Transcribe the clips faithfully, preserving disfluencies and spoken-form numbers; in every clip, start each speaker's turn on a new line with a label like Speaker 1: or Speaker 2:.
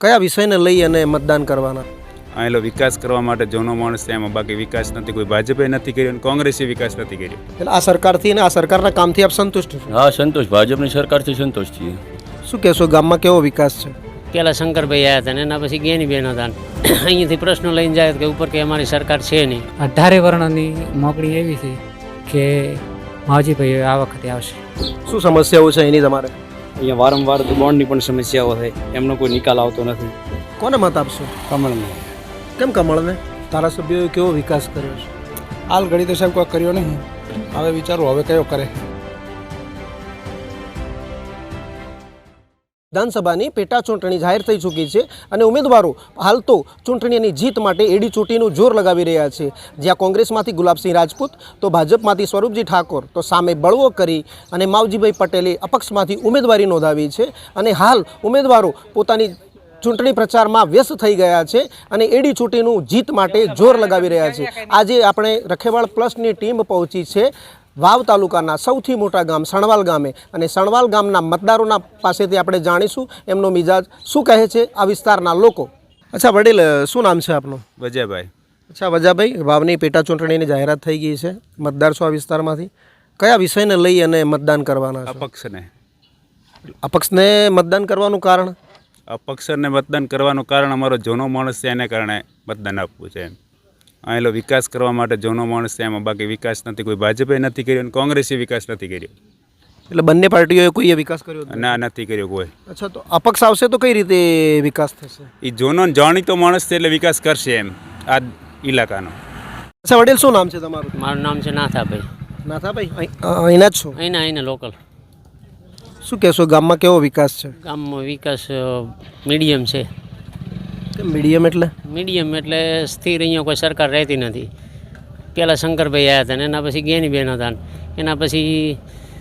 Speaker 1: કયા વિષયને લઈ અને મતદાન કરવાના?
Speaker 2: આયેલો વિકાસ કરવા માટે જૂનો માણસ છે, એમાં બાકી વિકાસ નથી, કોઈ ભાજપે નથી કર્યો અને કોંગ્રેસે વિકાસ નથી કર્યો.
Speaker 1: એટલે આ સરકારથી અને આ સરકારના કામથી આપ સંતુષ્ટ છો?
Speaker 3: હા, સંતોષ, ભાજપની સરકારથી સંતોષ છીએ.
Speaker 1: શું કહેશો, ગામમાં કેવો વિકાસ છે?
Speaker 4: પહેલાં શંકરભાઈ આવ્યા હતા ને એના પછી જ્ઞાનીબેન હતા. અહીંયાથી પ્રશ્નો લઈને જાય કે ઉપર કે અમારી સરકાર છે નહીં.
Speaker 5: અઢારે વર્ણની મોકળી એવી છે કે માવજીભાઈ આ વખતે આવશે.
Speaker 1: શું સમસ્યાઓ છે એની તમારે?
Speaker 6: અહીંયા વારંવાર બોન્ડની પણ સમસ્યાઓ થાય, એમનો કોઈ નિકાલ આવતો નથી.
Speaker 1: કોને મત આપશો?
Speaker 6: કમળને.
Speaker 1: કેમ કમળને? ધારાસભ્યોએ કેવો વિકાસ કર્યો છે?
Speaker 7: હાલ ઘડી તો સાહેબ કોઈ કર્યો નહીં, હવે વિચારો હવે કયો કરે.
Speaker 1: વિધાનસભાની પેટા ચૂંટણી જાહેર થઈ ચૂકી છે અને ઉમેદવારો હાલ તો ચૂંટણીની જીત માટે એડી ચૂંટીનું જોર લગાવી રહ્યા છે. જ્યાં કોંગ્રેસમાંથી ગુલાબસિંહ રાજપૂત તો ભાજપમાંથી સ્વરૂપજી ઠાકોર તો સામે બળવો કરી અને માવજીભાઈ પટેલે અપક્ષમાંથી ઉમેદવારી નોંધાવી છે અને હાલ ઉમેદવારો પોતાની ચૂંટણી પ્રચારમાં વ્યસ્ત થઈ ગયા છે અને એડી ચૂંટીનું જીત માટે જોર લગાવી રહ્યા છે. આજે આપણે રખેવાળ પ્લસની ટીમ પહોંચી છે વાવ તાલુકાના સૌથી મોટા ગામ સણવાલ ગામે અને સણવાલ ગામના મતદારોના પાસેથી આપણે જાણીશું એમનો મિજાજ શું કહે છે આ વિસ્તારના લોકો. અચ્છા વડીલ, શું નામ છે આપનું?
Speaker 2: વજાભાઈ.
Speaker 1: અચ્છા વજાભાઈ, વાવની પેટા ચૂંટણીની જાહેરાત થઈ ગઈ છે, મતદાર છો આ વિસ્તારમાંથી, કયા વિષયને લઈ અને મતદાન કરવાના છો?
Speaker 2: અપક્ષને.
Speaker 1: અપક્ષને મતદાન કરવાનું કારણ?
Speaker 2: અપક્ષને મતદાન કરવાનું કારણ અમારો જૂનો માણસ છે, એને કારણે મતદાન આપવું છે. એમ આયેલો વિકાસ કરવા માટે જૂનો માણસ છે, એમાં બાકી વિકાસ નથી, કોઈ ભાજપે નથી કર્યો અને કોંગ્રેસે વિકાસ નથી કર્યો.
Speaker 1: એટલે બંને પાર્ટીઓએ કોઈએ વિકાસ કર્યો?
Speaker 2: ના, નથી કર્યો કોઈ.
Speaker 1: અચ્છા, તો અપક્ષ આવશે તો કઈ રીતે વિકાસ થશે?
Speaker 2: એ જૂનો જાણીતો માણસ છે એટલે વિકાસ કરશે એમ આ ઇલાકાનો.
Speaker 1: અચ્છા વડીલ, શું નામ છે તમારું?
Speaker 4: મારું નામ છે નાથાભાઈ.
Speaker 1: નાથાભાઈ, અહીંના જ છો?
Speaker 4: અહીંના અહીંના લોકલ.
Speaker 1: શું કહેશો, ગામમાં કેવો વિકાસ છે?
Speaker 4: ગામમાં વિકાસ મીડિયમ છે.
Speaker 1: મીડિયમ એટલે?
Speaker 4: મીડિયમ એટલે સ્થિર અહીંયા કોઈ સરકાર રહેતી નથી. પહેલાં શંકરભાઈ આવ્યા હતા ને એના પછી જ્ઞાનીબેન હતા, એના પછી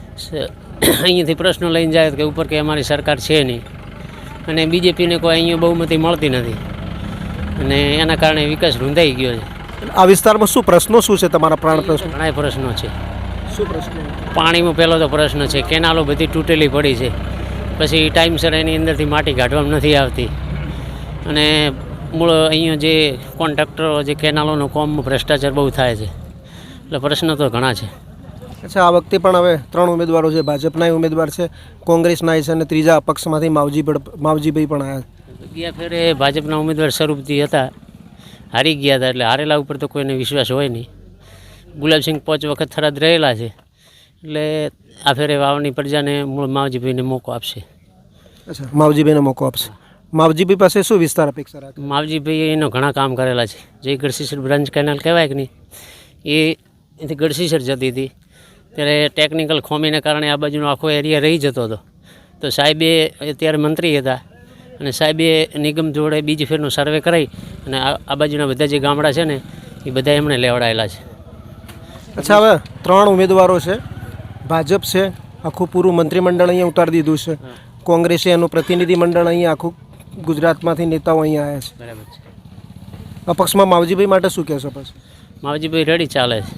Speaker 4: અહીંયાથી પ્રશ્નો લઈને જાય કે ઉપર કે અમારી સરકાર છે નહીં અને બીજેપીને કોઈ અહીંયા બહુમતી મળતી નથી અને એના કારણે વિકાસ રૂંધાઈ ગયો છે.
Speaker 1: આ વિસ્તારમાં શું પ્રશ્નો શું છે તમારા? પ્રાણ પ્રશ્નો
Speaker 4: ઘણા પ્રશ્નો છે.
Speaker 1: શું પ્રશ્નો?
Speaker 4: પાણીમાં પહેલો તો પ્રશ્ન છે, કેનાલો બધી તૂટેલી પડી છે, પછી ટાઈમસર એની અંદરથી માટી કાઢવામાં નથી આવતી અને મૂળ અહીંયા જે કોન્ટ્રાક્ટરો જે કેનાલોનો કોમમાં ભ્રષ્ટાચાર બહુ થાય છે, એટલે પ્રશ્નો તો ઘણા છે.
Speaker 1: અચ્છા, આ વખતે પણ હવે ત્રણ ઉમેદવારો છે, ભાજપના ઉમેદવાર છે, કોંગ્રેસના છે અને ત્રીજા અપક્ષમાંથી માવજી માવજીભાઈ પણ આવ્યા.
Speaker 4: ગયા ફેરે ભાજપના ઉમેદવાર સ્વરૂપજી હતા, હારી ગયા હતા, એટલે હારેલા ઉપર તો કોઈને વિશ્વાસ હોય નહીં. ગુલાબસિંહ પાંચ વખત થરાદ રહેલા છે એટલે આ ફેરે વાવની પ્રજાને મૂળ માવજીભાઈને મોકો આપશે.
Speaker 1: અચ્છા, માવજીભાઈને મોકો આપશે. માવજીભાઈ પાસે શું વિસ્તાર અપેક્ષા રાખે?
Speaker 4: માવજીભાઈ એનો ઘણા કામ કરેલા છે. જે ગઢસીસર બ્રાન્ચ કેનાલ કહેવાય કે નહીં, એ એથી ગઢસીસર જતી હતી ત્યારે ટેકનિકલ ખોમીને કારણે આ બાજુનો આખો એરિયા રહી જતો હતો. તો સાહેબે અત્યારે મંત્રી હતા અને સાહેબે નિગમ જોડે બીજી ફેરનો સર્વે કરાવી અને આ બાજુના બધા જે ગામડા છે ને એ બધા એમણે લેવડાયેલા છે.
Speaker 1: અચ્છા, હવે ત્રણ ઉમેદવારો છે, ભાજપ છે, આખું પૂરું મંત્રીમંડળ અહીંયા ઉતારી દીધું છે, કોંગ્રેસે એનું પ્રતિનિધિ મંડળ અહીંયા આખું ગુજરાતમાંથી નેતાઓ અહીંયા આવ્યા છે.
Speaker 4: બરાબર છે.
Speaker 1: અપક્ષમાં માવજીભાઈ માટે શું કહેશો? પછી
Speaker 4: માવજીભાઈ રેડી ચાલે છે.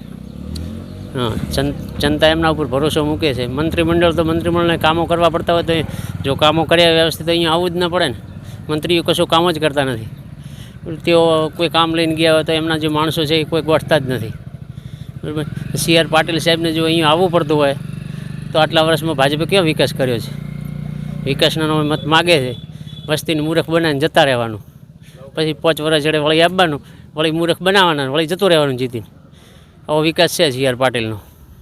Speaker 4: હા, જનતા એમના ઉપર ભરોસો મૂકે છે. મંત્રીમંડળ તો મંત્રીમંડળને કામો કરવા પડતા હોય તો જો કામો કર્યા વ્યવસ્થિત અહીંયા આવવું જ ન પડે ને. મંત્રીઓ કશું કામ જ કરતા નથી. તેઓ કોઈ કામ લઈને ગયા હોય તો એમના જે માણસો છે એ કોઈ ગોઠતા જ નથી. બરાબર. સી આર પાટીલ સાહેબને જો અહીંયા આવવું પડતું હોય તો આટલા વર્ષમાં ભાજપે કેવો વિકાસ કર્યો છે? વિકાસનો મત માગે છે, વસ્તીને મૂર્ખ બનાવીને જતા રહેવાનું, પછી પાંચ વર્ષ જડે વળી આપવાનું, વળી મૂર્ખ બનાવવાના, વળી જતું રહેવાનું જીતીને. આવો વિકાસ છે સી આર પાટીલનો.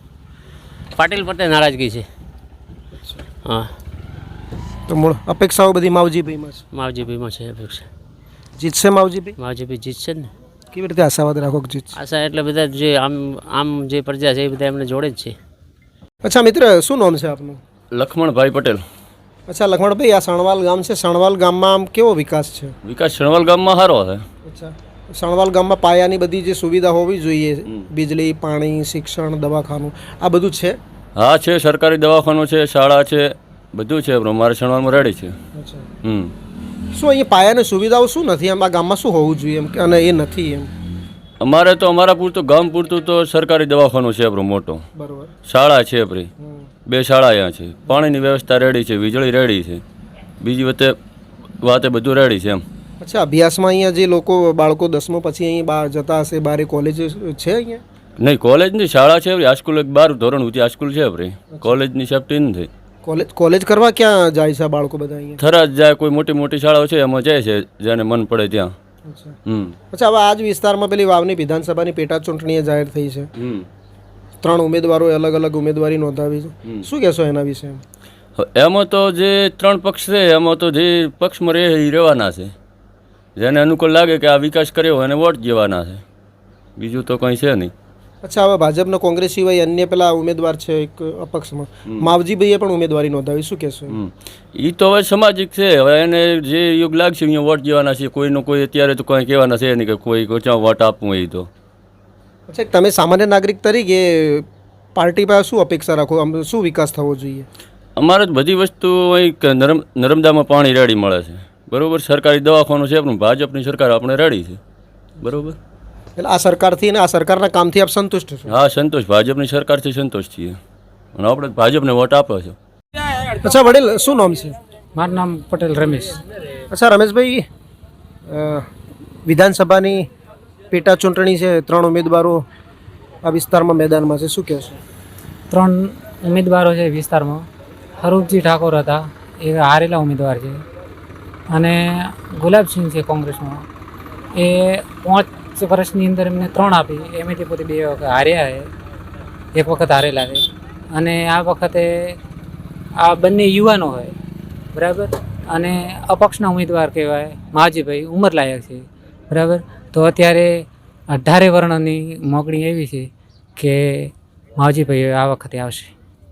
Speaker 4: પાટીલ પર નારાજગી છે. હા,
Speaker 1: તો મૂળ અપેક્ષાઓ બધી માવજીભાઈમાં છે.
Speaker 4: માવજીભાઈમાં છે અપેક્ષા.
Speaker 1: જીતશે માવજીભાઈ?
Speaker 4: માવજીભાઈ જીતશે જ ને.
Speaker 1: કેવી રીતે આશાવાદ રાખો કે જીતશે?
Speaker 4: આશા એટલે બધા જે આમ આમ જે પ્રજા છે એ બધા એમને જોડે જ છે.
Speaker 1: અચ્છા મિત્ર, શું નામ છે આપનું?
Speaker 3: લખમણભાઈ પટેલ.
Speaker 1: અચ્છા લખમણભાઈ, આ સણવાલ ગામ છે, સણવાલ ગામમાં આમ કેવો વિકાસ છે?
Speaker 3: વિકાસ સણવાલ ગામમાં સારો છે.
Speaker 1: અચ્છા, સણવાલ ગામમાં પાયાની બધી જે સુવિધા હોવી જોઈએ, વીજળી, પાણી, શિક્ષણ, દવાખાનું, આ બધું છે?
Speaker 3: હા છે, સરકારી દવાખાનું છે, શાળા છે, બધું છે. અમારે સણવાલમાં રેડી છે.
Speaker 1: અચ્છા,
Speaker 3: હમ
Speaker 1: શું અહીંયા પાયાની સુવિધાઓ શું નથી એમ? આ ગામમાં શું હોવું જોઈએ એમ અને એ નથી એમ?
Speaker 3: અમારે તો અમારા પૂરતું ગામ પૂરતું તો સરકારી દવાખાનું છે આપણું મોટો,
Speaker 1: બરોબર,
Speaker 3: શાળા છે આપણી, બે શાળા અહીંયા છે, પાણીની વ્યવસ્થા રેડી છે, વીજળી રેડી છે, બીજી વખતે વાતે બધું રેડી છે એમ.
Speaker 1: અચ્છા, અભ્યાસમાં અહીંયા જે લોકો બાળકો દસમો પછી અહીં બહાર જતા હશે, બારે કોલેજ છે અહીંયા?
Speaker 3: નહીં, કોલેજની શાળા છે હાઈસ્કૂલ, એક બાર ધોરણ સુધી હાઈસ્કૂલ છે ભાઈ, કોલેજની સેફટી નથી.
Speaker 1: કોલેજ કોલેજ કરવા ક્યાં જાય છે આ બાળકો બધા અહીંયા?
Speaker 3: થરાદ જાય, કોઈ મોટી મોટી શાળાઓ છે એમાં જાય છે, જેને મન પડે ત્યાં.
Speaker 1: અચ્છા
Speaker 3: હમ
Speaker 1: અચ્છા, હવે આ જ વિસ્તારમાં પેલી વાવની વિધાનસભાની પેટા ચૂંટણી જાહેર થઈ છે.
Speaker 3: હમ
Speaker 1: ત્રણ ઉમેદવારોએ અલગ અલગ ઉમેદવારી નોંધાવી છે. શું કહેશો એના વિશે?
Speaker 3: એમાં તો જે ત્રણ પક્ષ છે એમાં તો જે પક્ષમાં રહે એ રહેવાના છે, જેને અનુકૂળ લાગે કે આ વિકાસ કર્યો એને વોટ દેવાના છે, બીજું તો કંઈ છે નહીં.
Speaker 1: અચ્છા, હવે ભાજપનો કોંગ્રેસ સિવાય અન્ય પેલા ઉમેદવાર છે એક અપક્ષમાં, માવજીભાઈએ પણ ઉમેદવારી નોંધાવી. શું કહેશો?
Speaker 3: એ તો હવે સામાજિક છે, હવે એને જે યોગ લાગશે અહીંયા વોટ દેવાના છે. કોઈનો કોઈ અત્યારે તો કંઈ કહેવાના છે નહીં કે કોઈ ક્યાં વોટ આપવું એ તો.
Speaker 1: અચ્છા, તમે સામાન્ય નાગરિક તરીકે પાર્ટી પાસે શું અપેક્ષા રાખો? આમ શું વિકાસ થવો જોઈએ?
Speaker 3: અમારે જ બધી વસ્તુ અહીં કે નરમ નર્મદામાં પાણી રેડી મળે છે, બરાબર. સરકારી દવાખાનું છે, પણ ભાજપની સરકાર આપણે રેડી છે, બરાબર.
Speaker 1: એટલે આ સરકારથી અને આ સરકારના કામથી આપ સંતુષ્ટ છો?
Speaker 3: હા, સંતોષ, ભાજપની સરકારથી સંતોષ છીએ અને આપણે ભાજપને વોટ આપ્યો છે.
Speaker 1: અચ્છા વડીલ, શું નામ છે?
Speaker 5: મારું નામ પટેલ રમેશ.
Speaker 1: અચ્છા રમેશભાઈ, અ, વિધાનસભાની પેટા ચૂંટણી છે, ત્રણ ઉમેદવારો આ વિસ્તારમાં મેદાનમાં છે. શું કહેશો?
Speaker 5: ત્રણ ઉમેદવારો છે વિસ્તારમાં. હરૂપજી ઠાકોર હતા, એ હારેલા ઉમેદવાર છે, અને ગુલાબસિંહ છે કોંગ્રેસમાં. એ પાંચ વર્ષની અંદર એમને ત્રણ આપી, એમાંથી પોતે બે વખત હાર્યા છે, એક વખત હારેલા છે. અને આ વખતે આ બંને યુવાનો હોય, બરાબર, અને અપક્ષના ઉમેદવાર કહેવાય માજીભાઈ, ઉંમરલાયક છે, બરાબર. તો અત્યારે અઢારે વર્ણની મોકળી એવી છે કે માવજીભાઈ આ વખતે આવશે.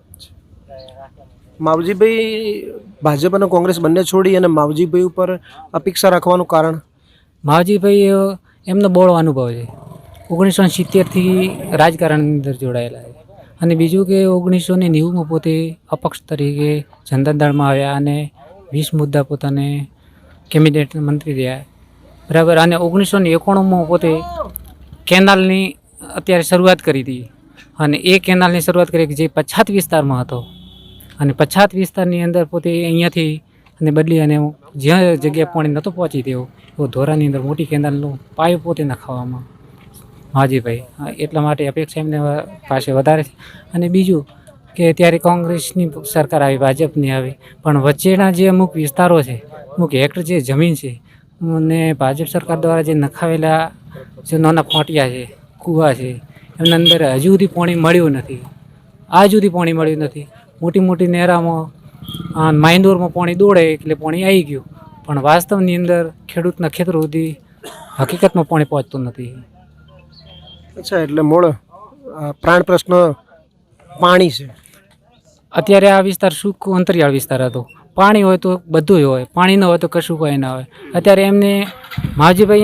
Speaker 1: માવજીભાઈ ભાજપ અને કોંગ્રેસ બંને છોડી અને માવજીભાઈ ઉપર અપેક્ષા રાખવાનું કારણ?
Speaker 5: માવજીભાઈ એમનો બહોળો અનુભવ છે, ઓગણીસો ને સિત્તેરથી રાજકારણની અંદર જોડાયેલા છે. અને બીજું કે ઓગણીસો ને નેવુંમાં પોતે અપક્ષ તરીકે જનતા દળમાં આવ્યા અને વીસ મુદ્દા પોતાને કેબિનેટ મંત્રી રહ્યા, બરાબર. અને ઓગણીસો ને એકોણુંમાં પોતે કેનાલની અત્યારે શરૂઆત કરી હતી, અને એ કેનાલની શરૂઆત કરી જે પછાત વિસ્તારમાં હતો, અને પછાત વિસ્તારની અંદર પોતે અહીંયાથી અને બદલી અને જ્યાં જગ્યાએ પાણી નહોતું પહોંચી તેવું એવો ધોરાની અંદર મોટી કેનાલનો પાયો પોતે નખાવામાં માજીભાઈ. એટલા માટે અપેક્ષા એમને પાસે વધારે છે. અને બીજું કે ત્યારે કોંગ્રેસની સરકાર આવી, ભાજપની આવી, પણ વચ્ચેના જે અમુક વિસ્તારો છે, અમુક હેક્ટર જે જમીન છે, અને ભાજપ સરકાર દ્વારા જે નખાવેલા જે નાના ફોટિયા છે, કૂવા છે, એમના અંદર હજુ સુધી પાણી મળ્યું નથી, આજ સુધી પાણી મળ્યું નથી. મોટી મોટી નહેરામાં માઇન્દોરમાં પાણી દોડે એટલે પાણી આવી ગયું, પણ વાસ્તવની અંદર ખેડૂતના ખેતરો સુધી હકીકતમાં પાણી પહોંચતું નથી.
Speaker 1: અચ્છા, એટલે મૂળ અ, પ્રાણ પ્રશ્ન પાણી છે.
Speaker 5: અત્યારે આ વિસ્તાર સૂકો અંતરિયાળ વિસ્તાર હતો, પાણી હોય તો બધું હોય, પાણી ન હોય તો કશું કોઈ ના હોય. અત્યારે એમને માવજીભાઈ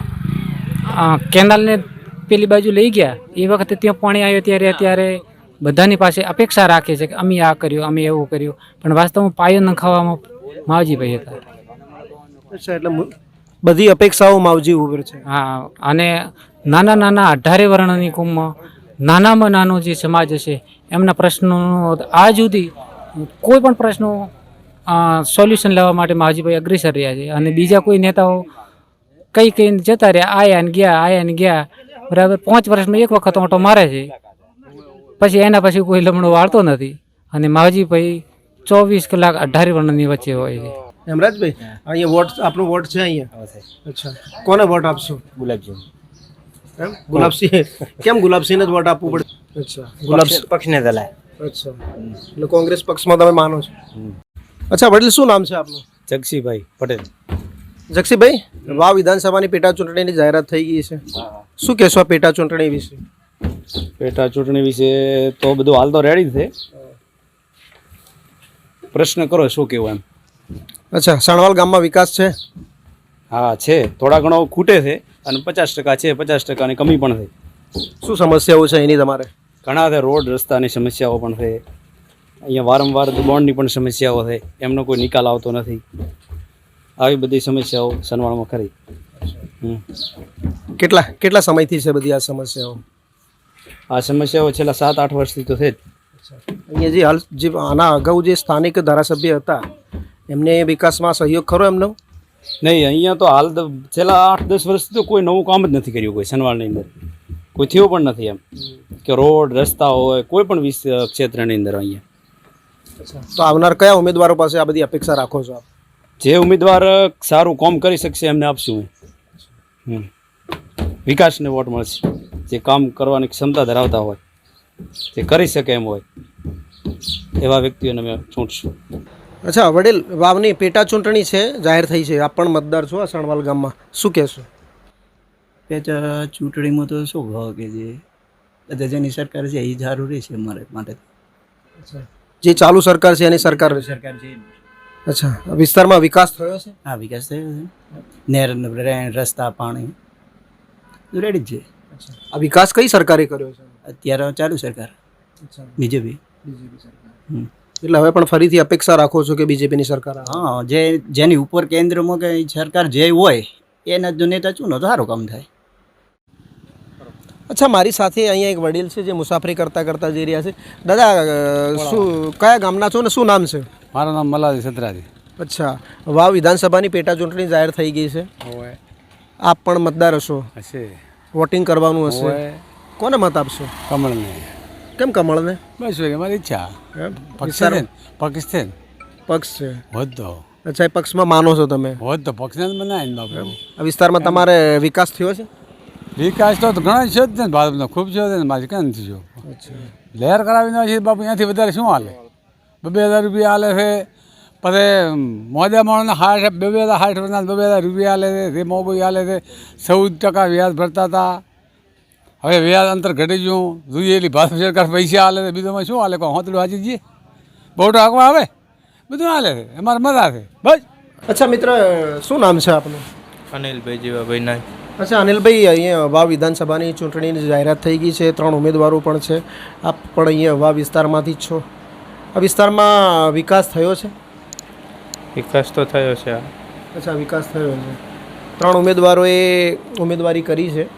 Speaker 5: અહીંયા કેનાલને પેલી બાજુ લઈ ગયા, એ વખતે ત્યાં પાણી આવ્યું ત્યારે અત્યારે બધાની પાસે અપેક્ષા રાખે છે કે અમે આ કર્યું, અમે એવું કર્યું, પણ વાસ્તવમાં પાયો નખાવામાં માવજીભાઈ હતા.
Speaker 1: અચ્છા, એટલે મુ- બધી અપેક્ષાઓ માવજી ઉપર છે.
Speaker 5: હા, અને નાના નાના અઢારે વર્ણની કુમમાં નાનામાં નાનો જે સમાજ હશે એમના પ્રશ્નો આજ સુધી કોઈ પણ પ્રશ્નો સોલ્યુશન લેવા માટે માવજીભાઈ અગ્રેસર રહ્યા છે. અને બીજા કોઈ નેતાઓ કઈ કઈ જતા રહ્યા, આયા ને ગયા, આયા ને ગયા, બરાબર. પાંચ વર્ષમાં એક વખત ઓટો મારે છે, પછી એના પછી કોઈ લમણો વાળતો નથી. અને માવજીભાઈ ચોવીસ કલાક અઢારે વર્ણની વચ્ચે હોય છે.
Speaker 1: હેમરાજભાઈ, અહીંયા વોટ આપનો વોટ છે અહીંયા? અચ્છા, કોને વોટ આપશો?
Speaker 6: ગુલાબજી
Speaker 1: એમ ગુલાબસિંહ? કેમ ગુલાબસિંહને જ વોટ આપવું પડે? અચ્છા, ગુલાબ
Speaker 6: પક્ષને દલાય.
Speaker 1: અચ્છા, એટલે કોંગ્રેસ પક્ષમાં તમે માનો છો? અચ્છા વડીલ, શું નામ છે આપનું?
Speaker 6: જગસીભાઈ પટેલ.
Speaker 1: જક્ષીભાઈ, વાવ વિધાનસભાની પેટા ચૂંટણીની જાહેરાત થઈ ગઈ છે, શું કહેશો આ પેટા ચૂંટણી વિશે?
Speaker 6: પેટા ચૂંટણી વિશે તો બધું હાલ તો રેડી છે, પ્રશ્ન કરો શું કેવું એમ.
Speaker 1: અચ્છા, સણવાલ ગામમાં વિકાસ છે?
Speaker 6: હા છે, થોડા ઘણો ખૂટે છે અને પચાસ ટકા છે, પચાસ ટકાની કમી પણ છે.
Speaker 1: શું સમસ્યાઓ છે એની તમારે?
Speaker 6: ઘણા છે, રોડ રસ્તાની સમસ્યાઓ પણ છે, અહીંયા વારંવાર બોન્ડની પણ સમસ્યાઓ છે, એમનો કોઈ નિકાલ આવતો નથી. આવી બધી સમસ્યાઓ સનવાળમાં ખરી. હમ
Speaker 1: કેટલા કેટલા સમયથી છે બધી આ સમસ્યાઓ?
Speaker 6: આ સમસ્યાઓ છેલ્લા સાત આઠ વર્ષથી તો છે જ.
Speaker 1: અહીંયા જે હાલ જે આના અગાઉ જે સ્થાનિક ધારાસભ્ય હતા એમને વિકાસમાં સહયોગ ખરો એમનો?
Speaker 6: નહીં, અહીંયા તો હાલ તો છેલ્લા આઠ દસ વર્ષથી તો કોઈ નવું કામ જ નથી કર્યું કોઈ સનવાળની અંદર, કોઈ થયું પણ નથી એમ કે રોડ રસ્તા હોય કોઈ પણ વિસ ક્ષેત્રની અંદર અહીંયા.
Speaker 1: તો આવનાર કયા ઉમેદવારો પાસે આ બધી અપેક્ષા રાખો છો આપ?
Speaker 6: જે ઉમેદવાર સારું કામ કરી શકશે એમને આપશું. હમ વિકાસને વોટ મળશે, જે કામ કરવાની ક્ષમતા ધરાવતા હોય, જે કરી શકે એમ હોય એવા વ્યક્તિઓને અમે ચૂંટશું.
Speaker 1: અચ્છા વડીલ, વાવની પેટા ચૂંટણી છે, જાહેર થઈ છે, આપ પણ મતદાર છો આ સણવાલ ગામમાં, શું કહેશો?
Speaker 8: પેટા ચૂંટણીમાં તો શું ભાવ કે જે બધા જેની સરકાર છે એ જરૂરી છે અમારે માટે.
Speaker 1: જે ચાલુ સરકાર છે એની સરકાર છે.
Speaker 8: સરકાર છે
Speaker 1: અચ્છા, વિસ્તારમાં વિકાસ થયો છે?
Speaker 8: હા, વિકાસ થયો છે. નહેર રેન રસ્તા પાણી રેડી જ છે.
Speaker 1: આ વિકાસ કઈ સરકારે કર્યો છે?
Speaker 8: અત્યારે ચાલુ સરકાર બીજેપી. હમ.
Speaker 1: એટલે હવે પણ ફરીથી અપેક્ષા રાખો છો કે બીજેપીની સરકાર આવે?
Speaker 8: હા, જે જેની ઉપર કેન્દ્રમાં કે સરકાર જે હોય એના જો નેતા ચૂનો તો સારું કામ થાય.
Speaker 1: અચ્છા, મારી સાથે અહીંયા એક વડીલ છે જે મુસાફરી કરતાં કરતાં જઈ રહ્યા છે. દાદા, અ, શું કયા ગામના છો ને શું નામ છે?
Speaker 9: મારું નામ મલાજી સત્રાજી.
Speaker 1: અચ્છા, વાવ વિધાનસભાની પેટા ચૂંટણી જાહેર થઈ ગઈ છે,
Speaker 9: હોય
Speaker 1: આપ પણ મતદાર હશો,
Speaker 9: હશે
Speaker 1: વોટિંગ કરવાનું હશે,
Speaker 9: હોય
Speaker 1: કોને મત આપશો?
Speaker 9: કમળને.
Speaker 1: કેમ કમળને?
Speaker 9: બસ હોય મારી ઈચ્છા.
Speaker 1: એમ?
Speaker 9: પાકિસ્તાન પાકિસ્તાન
Speaker 1: પક્ષ છે.
Speaker 9: હોત તો
Speaker 1: અચ્છા, એ પક્ષમાં માનો છો તમે?
Speaker 9: હોત તો પક્ષને જ બનાવે ને બાપુ.
Speaker 1: આ વિસ્તારમાં તમારે વિકાસ થયો છે?
Speaker 9: વિકાસ તો ઘણા છે જ ને ભારતનો, ખૂબ છે ને મારે ક્યાં નથી જો. લહેર કરાવીને છે બાપુ, અહીંયાથી વધારે શું હાલે? બે બે હજાર રૂપિયા હાલે છે, પછી મોજા માણસને હાઠ બે બે હજાર સાઠ વર્ષના બે બે હજાર રૂપિયા હાલે છે, તે મોબાઈલ હાલે છે, ચૌદ ટકા વ્યાજ ભરતા હતા, હવે વ્યાજ અંતર ઘટી ગયું, જોઈએ એટલી ભારત સરકાર પૈસા હાલે છે, બીજું શું હાલે? કોઈ હોતડું હાજી જઈએ બહુ ટાંકવા આવે, બધું હાલે છે, અમારે મજા છે બસ.
Speaker 1: અચ્છા મિત્ર, શું નામ છે આપનું?
Speaker 10: અનિલભાઈ જીવાભાઈ નાય.
Speaker 1: અચ્છા અનિલભાઈ, અહીંયા વાવ વિધાનસભાની ચૂંટણીની જાહેરાત થઈ ગઈ છે, ત્રણ ઉમેદવારો પણ છે, આપ પણ અહીંયા વાવ વિસ્તારમાંથી જ છો. આ વિસ્તારમાં વિકાસ થયો છે?
Speaker 10: વિકાસ તો થયો છે.
Speaker 1: અચ્છા, વિકાસ થયો છે. ત્રણ ઉમેદવારોએ ઉમેદવારી કરી છે,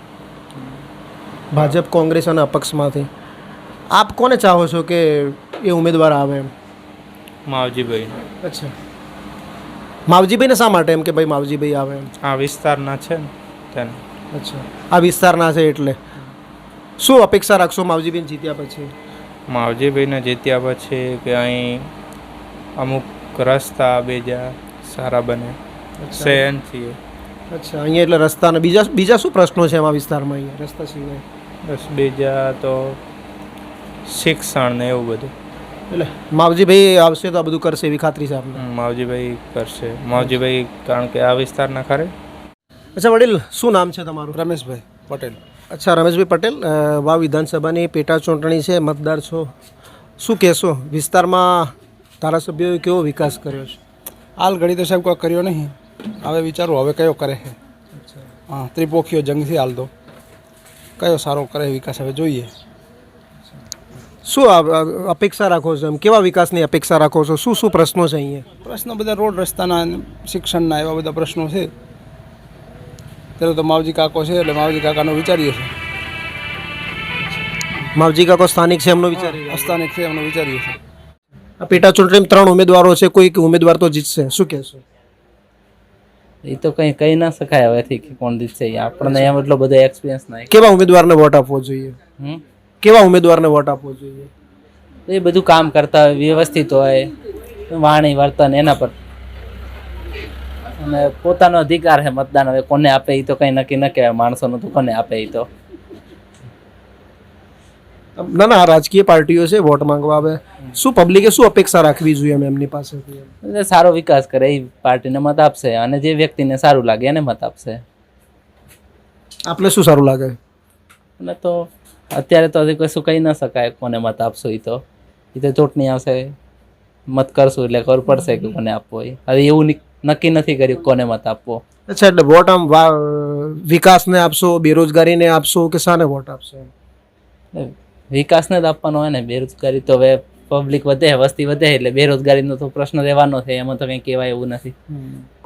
Speaker 1: ભાજપ, કોંગ્રેસ અને અપક્ષમાંથી. આપ કોને ચાહો છો કે એ ઉમેદવાર આવે એમ?
Speaker 10: માવજીભાઈ.
Speaker 1: અચ્છા, માવજીભાઈને શા માટે એમ કે ભાઈ માવજીભાઈ આવે એમ?
Speaker 10: આ વિસ્તારના છે ને તેને.
Speaker 1: અચ્છા, આ વિસ્તારના છે એટલે શું અપેક્ષા રાખશો માવજીભાઈને જીત્યા પછી?
Speaker 10: માવજીભાઈને જીત્યા પછી કે અહીં અમુક રસ્તા બીજા સારા બને શહેર છીએ.
Speaker 1: અચ્છા, અહીંયા એટલે રસ્તાના બીજા બીજા શું પ્રશ્નો છે એમાં વિસ્તારમાં અહીંયા રસ્તા સિવાય?
Speaker 10: બસ બીજા તો શિક્ષણ ને એવું બધું.
Speaker 1: એટલે માવજીભાઈ આવશે તો આ બધું કરશે એવી ખાતરી છે આપને?
Speaker 10: હમ, માવજીભાઈ કરશે. માવજીભાઈ કારણ કે આ વિસ્તારના ખરે.
Speaker 1: અચ્છા વડીલ, શું નામ છે તમારું?
Speaker 7: રમેશભાઈ પટેલ.
Speaker 1: અચ્છા રમેશભાઈ પટેલ, અ, વાવ વિધાનસભાની પેટા ચૂંટણી છે, મતદાર છો, શું કહેશો? વિસ્તારમાં ધારાસભ્યોએ કેવો વિકાસ કર્યો છે?
Speaker 7: હાલ ઘડી તો સાહેબ કોઈ કર્યો નહીં, હવે વિચારું હવે કયો કરે છે. હા, ત્રિપોખીઓ જંગ છે હાલ તો, કયો સારો કરે વિકાસ હવે જોઈએ.
Speaker 1: શું આ અપેક્ષા રાખો છો એમ? કેવા વિકાસની અપેક્ષા રાખો છો? શું શું પ્રશ્નો છે અહીંયા?
Speaker 7: પ્રશ્નો બધા રોડ રસ્તાના અને શિક્ષણના એવા બધા પ્રશ્નો છે. ત્યારે તો માવજી કાકો છે એટલે માવજી કાકાનો વિચારીએ છીએ.
Speaker 1: માવજી કાકો સ્થાનિક છે એમનો વિચારી રહ્યા છો?
Speaker 7: સ્થાનિક છે એમનો વિચારીએ છીએ.
Speaker 1: આ પેટા ચૂંટણીમાં ત્રણ ઉમેદવારો છે, કોઈ ઉમેદવાર તો જીતશે, શું કહેશો?
Speaker 11: એ તો કંઈ કહી ના શકાય હવેથી કે કોણ જીતશે. આપણને એમ એટલો બધો એક્સપિરિયન્સ નહીં.
Speaker 1: કેવા ઉમેદવારને વોટ આપવો જોઈએ?
Speaker 11: હમ
Speaker 1: કેવા ઉમેદવારને વોટ આપવો જોઈએ?
Speaker 11: એ બધું કામ કરતા હોય, વ્યવસ્થિત હોય, વાણી વર્તન એના પર, અને પોતાનો અધિકાર છે મતદાન. હવે કોને આપે એ તો કંઈ નક્કી ન કહેવાય, માણસોનું તો કોને આપે એ તો.
Speaker 1: ના ના, રાજકીય પાર્ટીઓ છે, વોટ માંગવા આવે, શું પબ્લિકે શું અપેક્ષા રાખવી જોઈએ એમ એમની પાસેથી?
Speaker 11: એટલે સારો વિકાસ કરે એ પાર્ટીને મત આપશે, અને જે વ્યક્તિને સારું લાગે એને મત આપશે.
Speaker 1: આપને શું સારું લાગે?
Speaker 11: અને તો અત્યારે તો હજી કશું કહી ન શકાય કોને મત આપશો. એ તો એ તો ચૂંટણી આવશે, મત કરશું એટલે ખબર પડશે કે કોને આપવો. એ હવે એવું નક્કી નથી કર્યું કોને મત આપવો.
Speaker 1: અચ્છા, એટલે વોટ આમ વિકાસને આપશો, બેરોજગારીને આપશો કે શાને વોટ આપશો?
Speaker 11: વિકાસને જ આપવાનો હોય ને. બેરોજગારી તો હવે પબ્લિક વધે, વસ્તી વધે એટલે બેરોજગારીનો તો પ્રશ્ન રહેવાનો છે, એમાં તો કંઈ કહેવાય એવું નથી.